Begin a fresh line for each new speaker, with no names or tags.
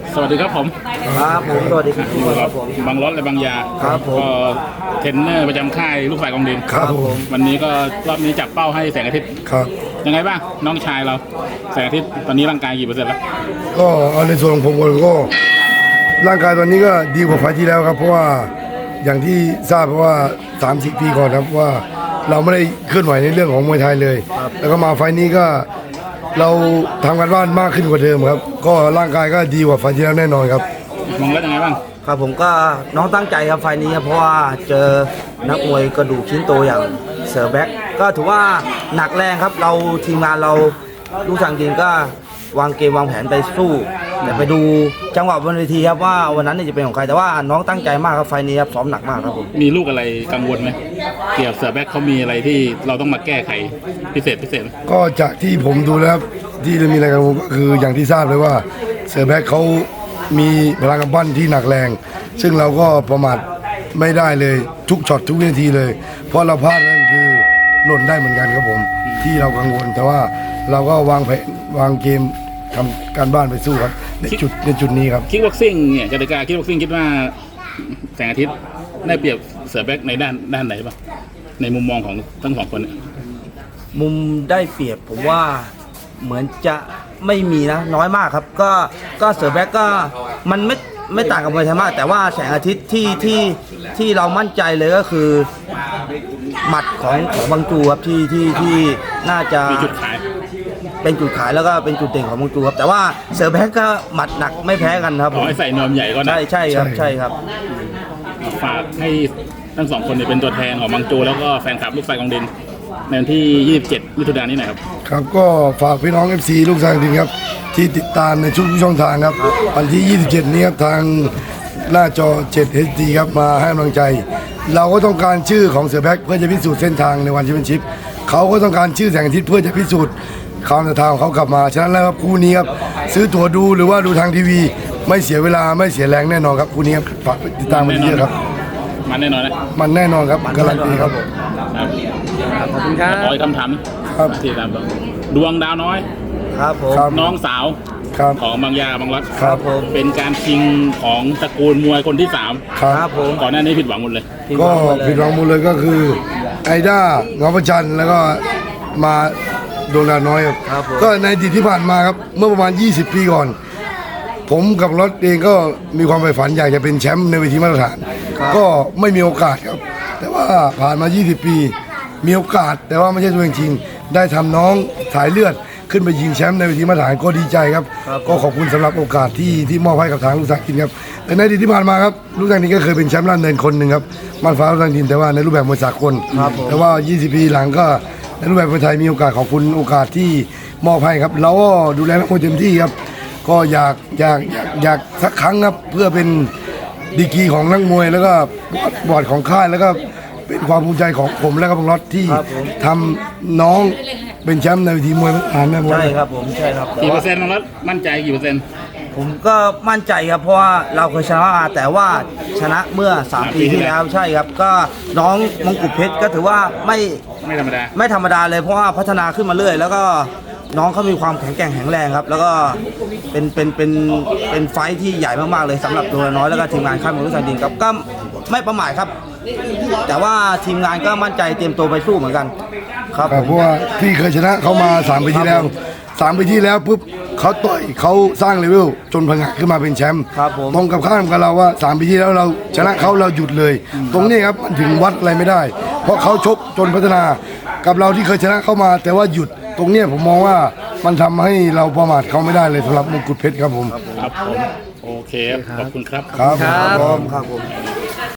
สวัสดีครับผม
ครับผมสวัสดีครับทุกคนครับผม
บางรถและบางยา
ครับผม
ก็เทรนเนอร์ประจำค่ายลูกฝ่ายกองดิน
ครับผม
วันนี้ก็รอบนี้จับเป้าให้แสงอาทิตย์
ครับ
ยังไงบ้างน้องชายเราแสงอาทิตย์ตอนนี้ร่างกายกี่เปอร์เซ็นต์แล้ว
ก็เอาในส่วนของผมก็ร่างกายตอนนี้ก็ดีกว่าไฟล์ที่แล้วครับเพราะว่าอย่างที่ทราบเพราะว่า30 ปีก่อนครับว่าเราไม่ได้เคลื่อนไหวในเรื่องของมวยไทยเลยแล้วก็มาไฟล์นี้ก็เราทำกันบ้านมากขึ้นกว่าเดิมครับก็ร่างกายก็ดีกว่าไฟล์ที่แล้วแน่นอนครับ
มองแล้วยังไงบ้าง
ครับผมก็น้องตั้งใจครับไฟล์นี้ครับเพราะว่าเจอนักมวยกระดูกชิ้นโตอย่างเสือแบ็คก็ถือว่าหนักแรงครับเราทีมงานเราลูกทางดินก็วางเกมวางแผนไปสู้แต่ไปดูจังหวะบนเวทีครับว่าวันนั้นจะเป็นของใครแต่ว่าน้องตั้งใจมากครับไฟล์นี้ครับซ้อมหนักมากครับผม
มีลูกอะไรกังวลไหมเกี่ยวกับเสือแบ็คเขามีอะไรที่เราต้องมาแก้ไขพิเศษ
ก็จากที่ผมดูแล้วที่มีอะไรกังวลก็คืออย่างที่ทราบเลยว่าเสือแบ็คเขามีพลังกำปั้นที่หนักแรงซึ่งเราก็ประมาทไม่ได้เลยทุกช็อตทุกวินาทีเลยเพราะเราพลาดนั่นคือหล่นได้เหมือนกันครับผมที่เรากังวลแต่ว่าเราก็วางแผนวางเกมทำการบ้านไปสู้ครับในจุดนี้ครับ
คิกบ็อกซิ่งเนี่ยกติกาคิกบ็อกซิ่งคิดว่าแสงอาทิตย์ได้เปรียบเสือแบ็คในด้านไหนบ้างในมุมมองของทั้งสองคน
มุมได้เปรียบผมว่าเหมือนจะไม่มีนะน้อยมากครับก็เสือแบ็คก็มันไม่ต่างกับมวยไทยมากแต่ว่าแสงอาทิตย์ที่เรามั่นใจเลยก็คือหมัดของบางจูครับที่น่าจะ
มีจุดขาย
เป็นจุดขายแล้วก็เป็นจุดเด่นของบางจูครับแต่ว่าเสือแบ็คก็หมัดหนักไม่แพ้กันครับ
ให้ใส่นวมใหญ่ก็ได้
ใช่ครับ
ฝากให้ทั้งสองคนเป็นตัวแทนของบางจูแล้วก็แฟนคลับลูกฝ่ายกองดินในวันที่27 มิถุนายนนี้หน่อยครับ
ครับก็ฝากพี่น้อง FC ลูกทางดินครับที่ติดตามในทุกช่องทางครับวันที่ 27 นี้ครับทางหน้าจอ 7 HD ครับมาให้กำลังใจเราก็ต้องการชื่อของเสือแบ็คเพื่อจะพิสูจน์เส้นทางในวันแชมเปี้ยนชิพเขาก็ต้องการชื่อแสงอาทิตย์เพื่อจะพิสูจน์ความศรัทธาของเขากลับมาฉะนั้นแล้วครับคู่นี้ครับซื้อตั๋วดูหรือว่าดูทางทีวีไม่เสียเวลาไม่เสียแรงแน่นอนครับคู่นี้ครับฝากติดตามมันเยอะครับ
มันแน่นอนนะ
มันแน่นอนครับการันตีครับ
ขอบคุณครับ
ขอคำถามที่ตามดวงดาวน้อย
ครับผม
น้องสาวของบางยาบางรัฐ
ครับผม
เป็นการชิงของตระกูลมวยคนที่3
ครับ
ผม
ก่อนหน้านี้ผิดหวังหมดเลย
ก็ผิดหวังหมดเลยก็คือไอด้าเงาประจันแล้วก็มาดวงดาวน้อยครับก็ในอดีตที่ผ่านมาครับเมื่อประมาณ20 ปีก่อนผมกับรถเองก็มีความใฝ่ฝันอยากจะเป็นแชมป์ในเวทีมาตรฐานก็ไม่มีโอกาสครับแต่ว่าผ่านมา20 ปีมีโอกาสแต่ว่าไม่ใช่ตัวจริงได้ทำน้องสายเลือดขึ้นไปยิงแชมป์ในเวทีมาตรฐานก็ดีใจครับก็ขอบคุณสำหรับโอกาสที่มอบให้กับทางลูกสักดินครับแต่ในอดีตที่ผ่านมาครับลูกสักดินก็เคยเป็นแชมป์ล้านเนินคนหนึ่งครับมันฟ้าลูกสักดินแต่ว่าในรูปแบบมวยสากลแต่ว่า20 ปีหลังก็ในรูปแบบมวยไทยมีโอกาสขอบคุณโอกาสที่มอบให้ครับเราก็ดูแลนักมวยเต็มที่ครับก็อยากสักครั้งครับเพื่อเป็นดีกรีของนักมวยแล้วก็บอร์ดของค่ายแล้วก็เป็นความภูมิใจของผมและก็บังรถที่ทำน้องเป็นแชมป์ในเวทีมวยมาตรฐานนะ
ใช่ครับผมใช่ครับ
กี่เปอร์เซ็นต์บังรถมั่นใจกี่เปอร์เซ็นต์
ผมก็มั่นใจครับเพราะว่าเราเคยชนะมาแต่ว่าชนะเมื่อ3 ปีที่แล้วใช่ครับก็น้องมงกุฎเพชรก็ถือว่าไม่ธรรมดาเลยเพราะว่าพัฒนาขึ้นมาเรื่อยแล้วก็น้องเขามีความแข็งแกร่งแข็งแรงครับแล้วก็เป็นไฟท์ที่ใหญ่มากๆเลยสำหรับตัวน้อยแล้วก็ทีมงานค่ายมวยลูกสันดินครับก็ไม่ประมาทครับแต่ว่าทีมงานก็มั่นใจเตรียมตัวไปสู้เหมือนกันครับ
เพราะว่าพี่เคยชนะเขามา3 ปีที่แล้ว3 ปีที่แล้วปุ๊บเขาต่อยเขาสร้างเลเวลจนพังขึ้นมาเป็นแชมป์ตรงกับข้ามกับเราว่า3 ปีที่แล้วเราชนะเขาเราหยุดเลยตรงนี้ครับมันถึงวัดอะไรไม่ได้เพราะเขาชกจนพัฒนากับเราที่เคยชนะเข้ามาแต่ว่าหยุดตรงนี้ผมมองว่ามันทำให้เราประมาทเขาไม่ได้เลยสำหรับมงกุฎเพชรครับผม
โอเคขอบคุณครับ
ครับผม